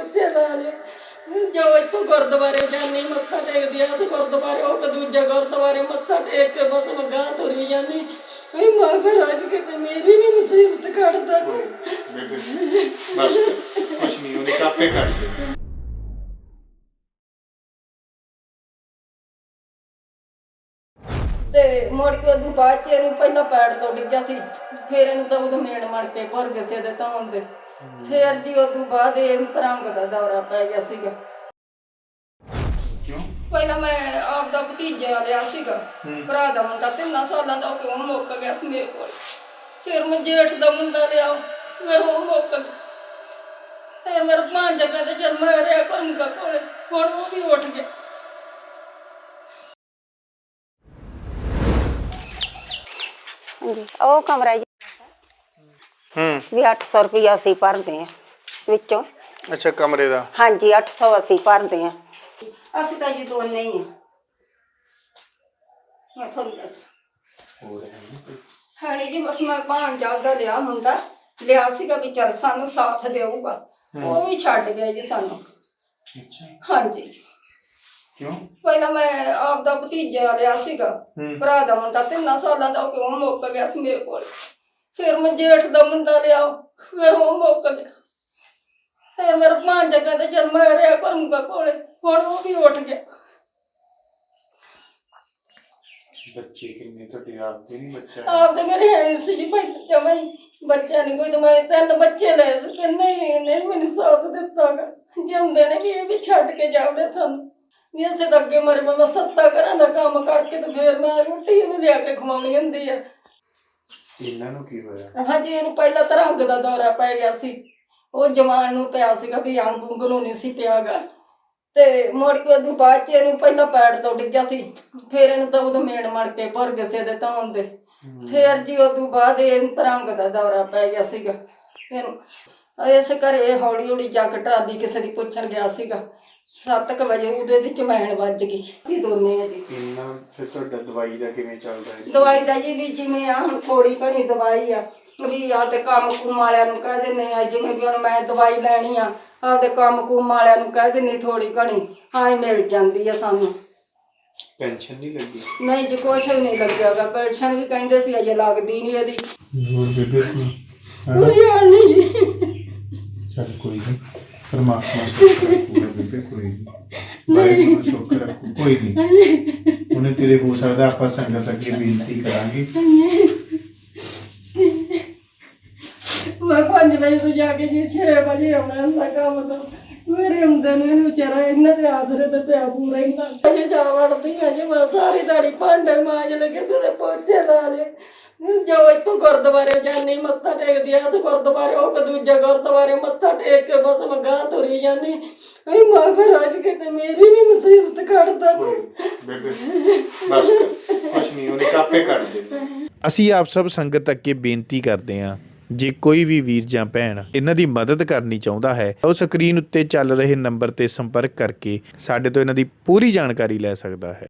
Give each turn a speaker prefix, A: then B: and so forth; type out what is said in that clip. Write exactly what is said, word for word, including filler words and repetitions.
A: ਪਹੁੰਚੇ ਨਾਲੇ ਜੋ ਇੱਥੋਂ ਗੁਰਦੁਆਰੇ ਜਾਂਦੀ ਮੱਥਾ ਟੇਕਦੀ ਆ, ਉਸ ਗੁਰਦੁਆਰੇ ਉਹ ਦੂਜੇ ਗੁਰਦੁਆਰੇ ਮੱਥਾ ਟੇਕ ਕੇ ਬਸ ਮੈਂ ਗਾਂ ਤੁਰੀ ਜਾਂਦੀ। ਵੀ ਮਹਾਰਾਜ ਕਿਤੇ ਮੇਰੀ ਵੀ ਮੁਸੀਬਤ ਕੱਢਦਾ।
B: ਬਸ ਕੁਛ ਨਹੀਂ, ਉਹਨੇ ਕਾਪੇ ਕੱਢ ਦੇ।
A: ਤੇ ਮੁੜ ਕੇ ਉਦੋਂ ਬਾਅਦ ਚ ਇਹਨੂੰ ਪਹਿਲਾਂ ਪੈੜ ਤੋਂ ਡਿੱਗਿਆ ਸੀ, ਫਿਰ ਇਹਨੂੰ ਤਾਂ ਉਦੋਂ ਮੇਨ ਮੜ ਕੇ ਭਰ ਗਏ ਸੀ ਇਹਦੇ ਧੌਣ ਦੇ। ਫਿਰ ਜੀ ਉਦੋਂ ਬਾਅਦ ਇਹ ਭਰੰਗ ਦਾ ਦੌਰਾ ਪੈ ਗਿਆ ਸੀਗਾ।
B: ਕਿਉਂ?
A: ਪਹਿਲਾਂ ਮੈਂ ਆਪ ਦਾ ਭਤੀਜਾ ਲਿਆ ਸੀਗਾ, ਭਰਾ ਦਾ ਮੁੰਡਾ, ਤਿੰਨਾਂ ਸਾਲਾਂ ਦਾ ਉਹ ਕਿਉਂ ਮੁੱਕ ਗਿਆ ਸੀ ਮੇਰੇ ਕੋਲ। ਫਿਰ ਮੈਂ ਜੇਠ ਦਾ ਮੁੰਡਾ ਲਿਆ, ਫਿਰ ਉਹ ਮੁੱਕ ਗਿਆ। ਫਿਰ ਮੇਰਾ ਭਾਂਜਾ ਕਹਿੰਦੇ ਚੱਲ ਮੈਂ ਰਿਹਾ ਕਰੂੰਗਾ ਕੋਲੇ, ਹੁਣ ਉਹ ਵੀ ਉੱਠ ਗਿਆ।
C: ਹਾਂਜੀ ਉਹ ਕਮਰਾ ਜੀ
B: ਹੂੰ
C: ਵੀ ਅੱਠ ਸੌ ਰੁਪਇਆ ਅਸੀਂ ਭਰਦੇ ਆ ਵਿੱਚੋਂ।
B: ਅੱਛਾ, ਕਮਰੇ ਦਾ?
C: ਹਾਂਜੀ ਅੱਠ ਸੌ ਅਸੀਂ ਭਰਦੇ ਆ। ਅਸੀਂ ਤਾਂ ਜੀ ਦੋਨੇ ਹੀ ਆ। ਮੈਂ ਤੁਹਾਨੂੰ ਦੱਸ ਹਾਂ ਜੀ, ਬਸ ਮੈਂ ਭਾਂਜਾ ਦਾ ਲਿਆ, ਮੁੰਡਾ ਲਿਆ ਸੀਗਾ ਵੀ ਚੱਲ ਸਾਨੂੰ ਸਾਥ ਦੇਊਗਾ, ਉਹ ਵੀ ਛੱਡ ਗਿਆ ਜੀ ਸਾਨੂੰ।
B: ਅੱਛਾ,
A: ਹਾਂਜੀ।
B: ਕਿਉਂ?
A: ਪਹਿਲਾਂ ਮੈਂ ਆਪ ਦਾ ਭਤੀਜਾ ਲਿਆ ਸੀਗਾ, ਭਰਾ ਦਾ ਮੁੰਡਾ, ਤਿੰਨਾਂ ਸਾਲਾਂ ਦਾ ਉਹ ਕਿਉਂ ਮੁੱਕ ਗਿਆ ਸੀ ਮੇਰੇ ਕੋਲ। ਫਿਰ ਮੈਂ ਜੇਠ ਦਾ ਮੁੰਡਾ ਲਿਆ, ਫਿਰ ਉਹ ਮੁੱਕ ਗਿਆ। ਫਿਰ ਮੇਰਾ ਭਾਂਜਾ ਕਹਿੰਦੇ ਚੱਲ ਮੈਂ ਰਿਹਾ ਕਰੂੰਗਾ ਕੋਲੇ, ਹੁਣ ਉਹ ਵੀ ਉੱਠ ਗਿਆ।
B: ਬੱਚੇ ਕਿੰਨੇ ਤੁਹਾਡੇ? ਆਪਦੇ ਨਹੀਂ ਬੱਚਾ?
A: ਆਪਦੇ ਮੇਰੇ ਹੈ ਸੀ ਜੀ ਭਾਈ, ਜਮਾਂ ਹੀ ਬੱਚਾ ਨਹੀਂ ਕੋਈ। ਤਾਂ ਮੈਂ ਤਿੰਨ ਬੱਚੇ ਲਏ ਸੀ, ਤਿੰਨੇ ਹੀ ਨਹੀਂ ਮੈਨੂੰ ਸਾਥ ਦਿੱਤਾ ਗਾ। ਜਿਉਂਦੇ ਨੇ ਵੀ ਇਹ ਵੀ ਛੱਡ ਕੇ ਜਾਵੜੇ ਸਾਨੂੰ ਵੀ ਅਸੀਂ ਤਾਂ ਅੱਗੇ ਮਰੇ। ਮੈਂ ਸੱਤਾ ਘਰਾਂ ਦਾ ਕੰਮ ਕਰਕੇ ਤੇ ਫਿਰ ਮੈਂ ਰੋਟੀ ਇਹਨੂੰ ਲਿਆ ਕੇ ਖਵਾਉਣੀ ਹੁੰਦੀ ਆ।
B: ਇਹਨਾਂ ਨੂੰ ਕੀ ਹੋਇਆ?
A: ਹਾਂਜੀ, ਇਹਨੂੰ ਪਹਿਲਾਂ ਤਾਂ ਰੰਗ ਦਾ ਦੌਰਾ ਪੈ ਗਿਆ ਸੀ, ਉਹ ਜਵਾਨ ਨੂੰ ਪਿਆ ਸੀਗਾ ਵੀ ਅੰਗ ਉਂਗ ਨੂੰ ਨਹੀਂ ਸੀ ਪਿਆਗਾ। ਤੇ ਮੁੜ ਕੇ ਉਦੋਂ ਬਾਅਦ ਚ ਇਹਨੂੰ ਪਹਿਲਾਂ ਪੈੜ ਤੋਂ ਡਿੱਗਿਆ ਸੀ, ਫਿਰ ਇਹਨੂੰ ਤਾਂ ਉਦੋਂ ਮੇਨ ਮੜ ਕੇ ਭਰ ਗਏ ਸੀ ਇਹਦੇ ਧੌਣ ਦੇ। ਫਿਰ ਜੀ ਉਦੋਂ ਬਾਅਦ ਇਹ ਰੰਗ ਦਾ ਦੌਰਾ ਪੈ ਗਿਆ ਸੀਗਾ ਇਹਨੂੰ। ਇਸ ਘਰੇ ਹੌਲੀ ਹੌਲੀ ਜੱਗ ਟਰਾਦੀ ਕਿਸੇ ਦੀ ਪੁੱਛਣ ਗਿਆ ਸੀਗਾ। ਸੱਤ ਕੁ ਵਜੇ ਉਹਦੇ ਦੀ ਚਮੈਣ ਵੱਜ ਗਈ। ਅਸੀਂ ਦੋਨੇ ਆ ਜੀ।
B: ਇਹਨਾਂ ਫਿਰ ਤੁਹਾਡਾ ਦਵਾਈ ਦਾ ਕਿਵੇਂ ਚੱਲਦਾ ਹੈ?
A: ਦਵਾਈ ਦਾ ਜੀ ਵੀ ਜਿਵੇਂ ਆ ਹੁਣ ਥੋੜੀ ਘਣੀ ਦਵਾਈ ਆ ਵੀ ਆ ਤੇ ਕੰਮ ਕੁਮ ਵਾਲਿਆਂ ਨੂੰ ਕਹਿ ਦਿੰਦੇ ਆ, ਜਿਵੇਂ ਵੀ ਹੁਣ ਮੈਂ ਦਵਾਈ ਲੈਣੀ ਆ ਆਪਦੇ ਕੰਮ ਕੁਮ ਵਾਲਿਆਂ ਨੂੰ ਕਹਿ ਦਿੰਦੀ ਥੋੜੀ ਘਣੀ ਹਾਂ ਮਿਲ ਜਾਂਦੀ ਆ ਸਾਨੂੰ।
B: ਪੈਨਸ਼ਨ ਨਹੀਂ ਲੱਗੀ?
A: ਨਹੀਂ ਜੀ, ਕੁਛ ਵੀ ਨਹੀਂ ਲੱਗਿਆਗਾ। ਪੈਨਸ਼ਨ ਵੀ ਕਹਿੰਦੇ ਸੀ ਅਜੇ ਲੱਗਦੀ ਨਹੀਂ ਇਹਦੀ।
B: ਹੋਰ ਬੇਬੇ
A: ਕੋਈ ਹਾਲ ਨਹੀਂ ਜੀ।
B: ਚੱਲ ਕੋਈ ਨਹੀਂ, ਪਰਮਾਤਮਾ ਸੁੱਖ ਰੱਖੂਗਾ ਬੇਬੇ, ਕੋਈ ਨਹੀਂ। ਵਾਹਿਗੁਰੂ ਸੁੱਖ ਰੱਖੂ, ਕੋਈ ਨਹੀਂ। ਉਹਨੇ ਤੇਰੇ ਹੋ ਸਕਦਾ ਆਪਾਂ ਸੰਗਤ ਅੱਗੇ ਬੇਨਤੀ ਕਰਾਂਗੇ।
A: ਮੈਂ ਪੰਜ ਵਜੇ ਤੋਂ ਜਾ ਕੇ ਜੀ ਛੇ ਵਜੇ ਆਉਣਾ ਹੁੰਦਾ ਕੰਮ ਤੋਂ। ਮੇਰੇ ਹੁੰਦੇ ਨੇ ਵਿਚਾਰਾ ਇਹਨਾਂ ਦੇ ਆਸਰੇ ਤੇ ਪਿਆ ਪੂਰਾ ਹੀ ਨਾ। ਅਜੇ ਜਾ ਵੜਦੀ ਆ ਜੀ ਮੈਂ ਸਾਰੀ ਦਿਹਾੜੀ ਭਾਂਡੇ ਮਾਂਜ ਲੈ, ਕਿਸੇ ਦੇ ਪੋਚੇ ਲਾ ਲਏ। ਜੋ ਇੱਥੋਂ ਗੁਰਦੁਆਰੇ ਜਾਂਦੀ ਮੱਥਾ ਟੇਕਦੀ ਆ, ਉਸ ਗੁਰਦੁਆਰੇ ਉਹ ਦੂਜੇ ਗੁਰਦੁਆਰੇ ਮੱਥਾ ਟੇਕ ਕੇ ਬਸ ਮੈਂ ਗਾਂ ਤੁਰੀ ਜਾਂਦੀ। ਵੀ ਮਹਾਰਾਜ ਕਿਤੇ ਮੇਰੀ ਵੀ ਮੁਸੀਬਤ ਕੱਢਦਾ।
B: ਬੇਬੇ ਬਸ ਕੁਛ ਨਹੀਂ, ਉਹਨੇ ਕਾਪੇ ਕੱਢ ਦੇ।
D: ਅਸੀਂ ਆਪ ਸਭ ਸੰਗਤ ਅੱਗੇ ਬੇਨਤੀ ਕਰਦੇ ਹਾਂ, ਜੇ ਕੋਈ ਵੀ ਵੀਰ ਜਾਂ ਭੈਣ ਇਹਨਾਂ ਦੀ ਮਦਦ ਕਰਨੀ ਚਾਹੁੰਦਾ ਹੈ, ਉਹ ਸਕਰੀਨ ਉੱਤੇ ਚੱਲ ਰਹੇ ਨੰਬਰ ਤੇ ਸੰਪਰਕ ਕਰਕੇ ਸਾਡੇ ਤੋਂ ਇਹਨਾਂ ਦੀ ਪੂਰੀ ਜਾਣਕਾਰੀ ਲੈ ਸਕਦਾ ਹੈ।